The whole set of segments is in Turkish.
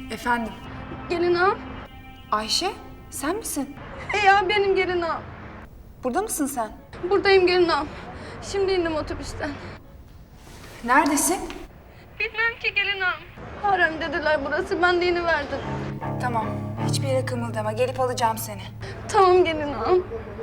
Efendim? Gelin ağam. Ayşe, sen misin? Ya benim gelin ağam. Burada mısın sen? Buradayım gelin ağam. Şimdi indim otobüsten. Neredesin? Bilmem ki gelin ağam. Harem dediler burası, ben de iniverdim. Tamam, hiçbir yere kımıldama. Gelip alacağım seni. Tamam gelin ağam.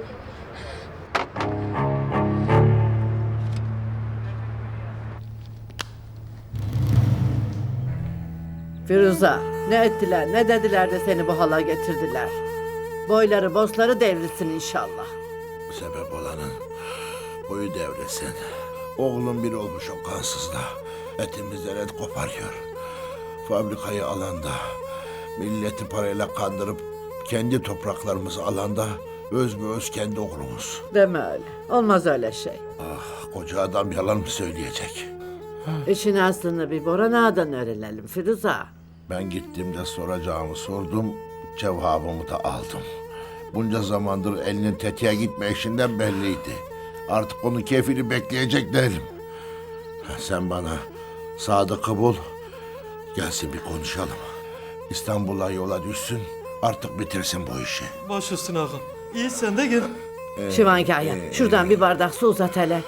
Firuza, ne ettiler, ne dediler de seni bu hala getirdiler. Boyları, bosları devrilsin inşallah. Sebep olanın boyu devresin. Oğlum bir olmuş o kansızla. Etimizden et koparıyor. Fabrikayı alanda, milleti parayla kandırıp kendi topraklarımızı alanda öz kendi oğlumuz. Deme öyle, olmaz öyle şey. Ah, koca adam yalan mı söyleyecek? İşin aslını bir Boran Ağa'dan öğrenelim Firuza. Ben gittiğimde soracağımı sordum, cevabımı da aldım. Bunca zamandır elinin tetiğe gitme işinden belliydi. Artık onun keyfini bekleyecek değilim. Sen bana Sadık'ı bul, gelsin bir konuşalım. İstanbul'a yola düşsün, artık bitirsin bu işi. Baş üstüne ağam. İyi sen de gel. Şivankaya, şuradan bir bardak su uzat hele.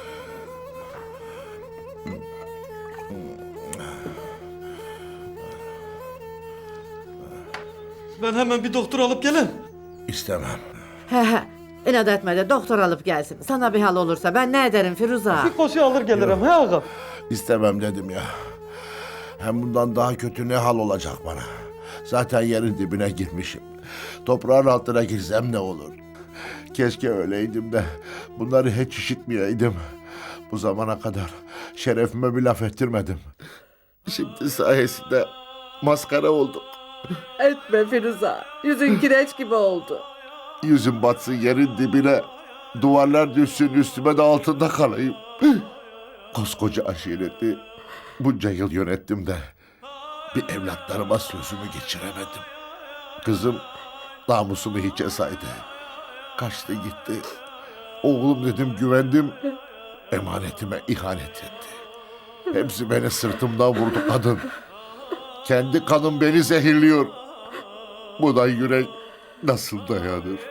Ben hemen bir doktor alıp gelin. İstemem. He, inat etme de doktor alıp gelsin. Sana bir hal olursa ben ne ederim Firuza? Bir koşu alır gelirim he ağam. İstemem dedim ya. Hem bundan daha kötü ne hal olacak bana? Zaten yerin dibine girmişim. Toprağın altına girsem ne olur? Keşke öyleydim de bunları hiç işitmeyeydim. Bu zamana kadar şerefime bir laf ettirmedim. Şimdi sayesinde maskara oldum. Etme Firuza, yüzün kireç gibi oldu. Yüzüm batsın yerin dibine. Duvarlar düşsün üstüme de altında kalayım. Koskoca aşireti bunca yıl yönettim de bir evlatlarıma sözümü geçiremedim. Kızım namusumu hiçe saydı. Kaçtı gitti. Oğlum dedim güvendim. Emanetime ihanet etti. Hepsi beni sırtımdan vurdu kadın. Kendi kanım beni zehirliyor. Buna yürek nasıl dayanır?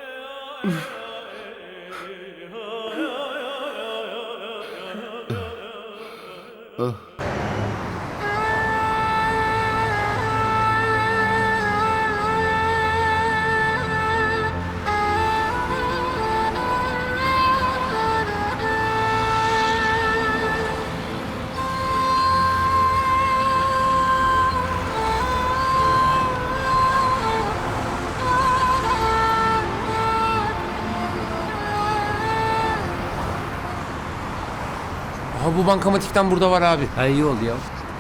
Aha bu bankamatikten burada var abi. Ha iyi oldu ya.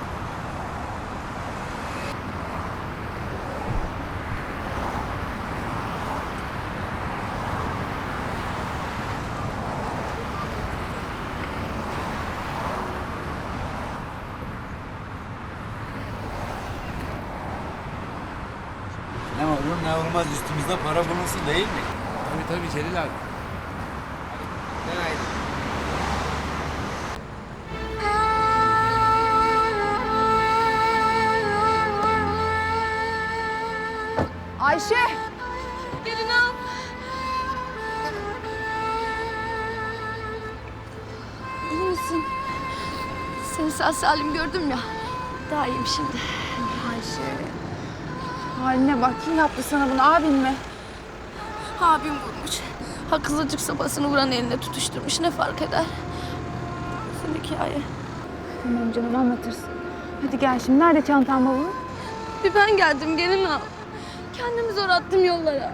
Ne olur ne olmaz üstümüzde para bulunsun değil mi? Tabii Celil abi. Ayşe! Gelin ağam. İyi misin? Seni sağ salim gördüm ya. Daha iyiyim şimdi. Ayşe. Haline bak, kim yaptı sana bunu, abin mi? Abim vurmuş. Haksızlık sopasını vuran eline tutuşturmuş. Ne fark eder? Nasıl hikaye? Tamam canım, anlatırsın. Hadi gel şimdi, nerede çantan bavulun? Bir ben geldim gelin ağam. Kendimi zor attım yollara.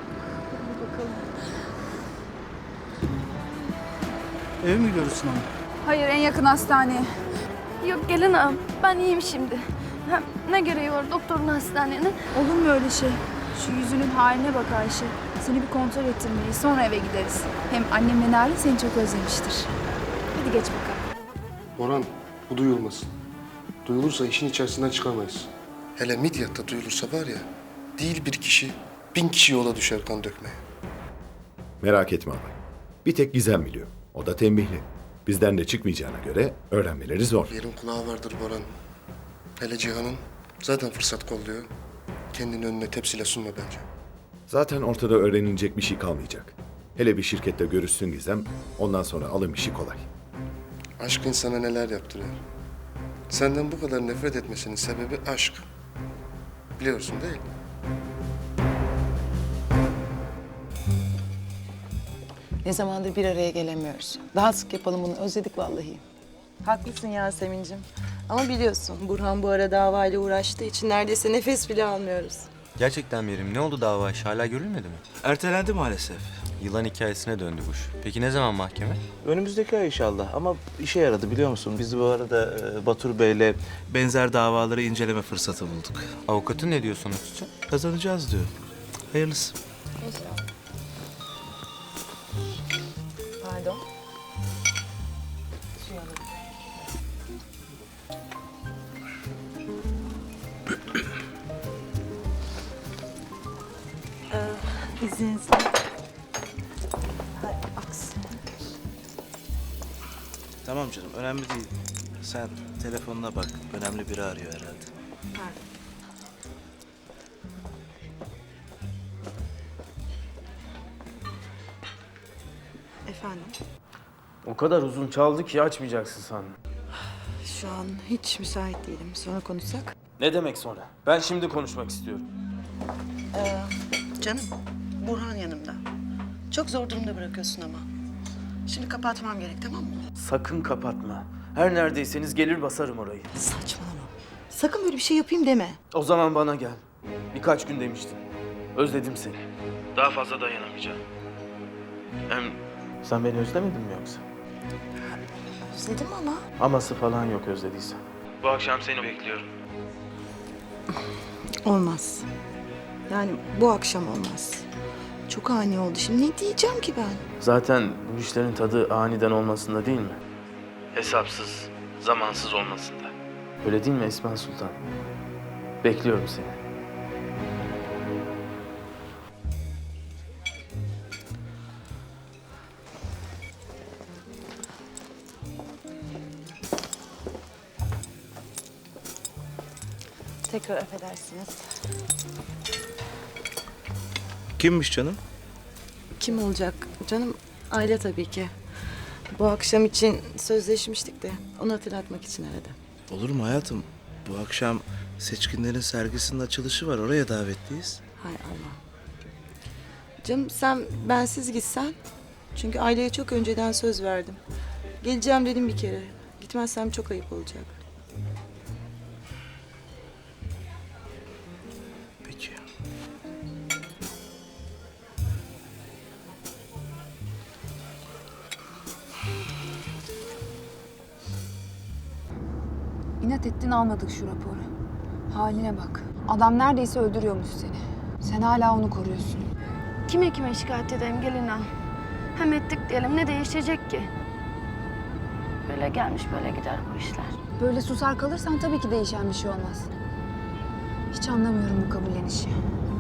Eve mi gidiyoruz Sinan? Hayır, en yakın hastaneye. Yok gelin ağam. Ben iyiyim şimdi. Hem ne gereği var doktorun hastanenin? Olur mu öyle şey? Şu yüzünün haline bak Ayşe. Seni bir kontrol ettirmeliyiz, sonra eve gideriz. Hem annemle Narin seni çok özlemiştir. Hadi geç bakalım. Orhan, bu duyulmasın. Duyulursa işin içerisinden çıkamayız. Hele Midyat'ta duyulursa var ya, değil bir kişi, 1000 kişi yola düşer kan dökmeye. Merak etme abi. Bir tek Gizem biliyor. O da tembihli. Bizden de çıkmayacağına göre öğrenmeleri zor. Yerin kulağı vardır Boran. Hele Cihan'ın zaten fırsat kolluyor. Kendini önüne tepsiyle sunma bence. Zaten ortada öğrenilecek bir şey kalmayacak. Hele bir şirkette görüşsün Gizem, ondan sonra alım işi kolay. Aşk insana neler yaptırıyor. Senden bu kadar nefret etmesinin sebebi aşk. Biliyorsun değil mi? Ne zamandır bir araya gelemiyoruz. Daha sık yapalım bunu. Özledik vallahi. Haklısın Yasemin'cim. Ama biliyorsun Burhan bu ara davayla uğraştığı için neredeyse nefes bile almıyoruz. Gerçekten Meryem, ne oldu dava işi? Hala görülmedi mi? Ertelendi maalesef. Yılan hikayesine döndü bu iş. Peki ne zaman mahkeme? Önümüzdeki ay inşallah ama işe yaradı biliyor musun? Biz bu arada Batur Bey'le benzer davaları inceleme fırsatı bulduk. Avukatın ne diyor sonuç için? Kazanacağız diyor. Hayırlısı. Pardon. İzninizle. Hay aksi. Tamam canım, önemli değil. Sen telefonuna bak. Önemli biri arıyor herhalde. Efendim? O kadar uzun çaldı ki açmayacaksın sandım. Şu an hiç müsait değilim. Sonra konuşsak. Ne demek sonra? Ben şimdi konuşmak istiyorum. Canım, Burhan yanımda. Çok zor durumda bırakıyorsun ama. Şimdi kapatmam gerek, tamam mı? Sakın kapatma. Her neredeyseniz gelir basarım orayı. Saçmalama. Sakın böyle bir şey yapayım deme. O zaman bana gel. Birkaç gün demiştin. Özledim seni. Daha fazla dayanamayacağım. Hem sen beni özlemedin mi yoksa? Özledim ama. Aması falan yok özlediysen. Bu akşam seni bekliyorum. Olmaz. Yani bu akşam olmaz. Çok ani oldu. Şimdi ne diyeceğim ki ben? Zaten bu işlerin tadı aniden olmasında değil mi? Hesapsız, zamansız olmasında. Öyle değil mi Esma Sultan? Bekliyorum seni. Tekrar affedersiniz. Kimmiş canım? Kim olacak? Canım aile tabii ki. Bu akşam için sözleşmiştik de onu hatırlatmak için aradım. Olur mu hayatım? Bu akşam Seçkinlerin sergisinin açılışı var. Oraya davetliyiz. Hay Allah. Canım sen bensiz gitsen. Çünkü aileye çok önceden söz verdim. Geleceğim dedim bir kere. Gitmezsem çok ayıp olacak. Peki. İnat ettin almadık şu raporu. Haline bak. Adam neredeyse öldürüyormuş seni. Sen hala onu koruyorsun. Kime şikayet edeyim gelin ağam? Hem ettik diyelim ne değişecek ki? Böyle gelmiş böyle gider bu işler. Böyle susar kalırsan tabii ki değişen bir şey olmaz. Hiç anlamıyorum bu kabullenişi.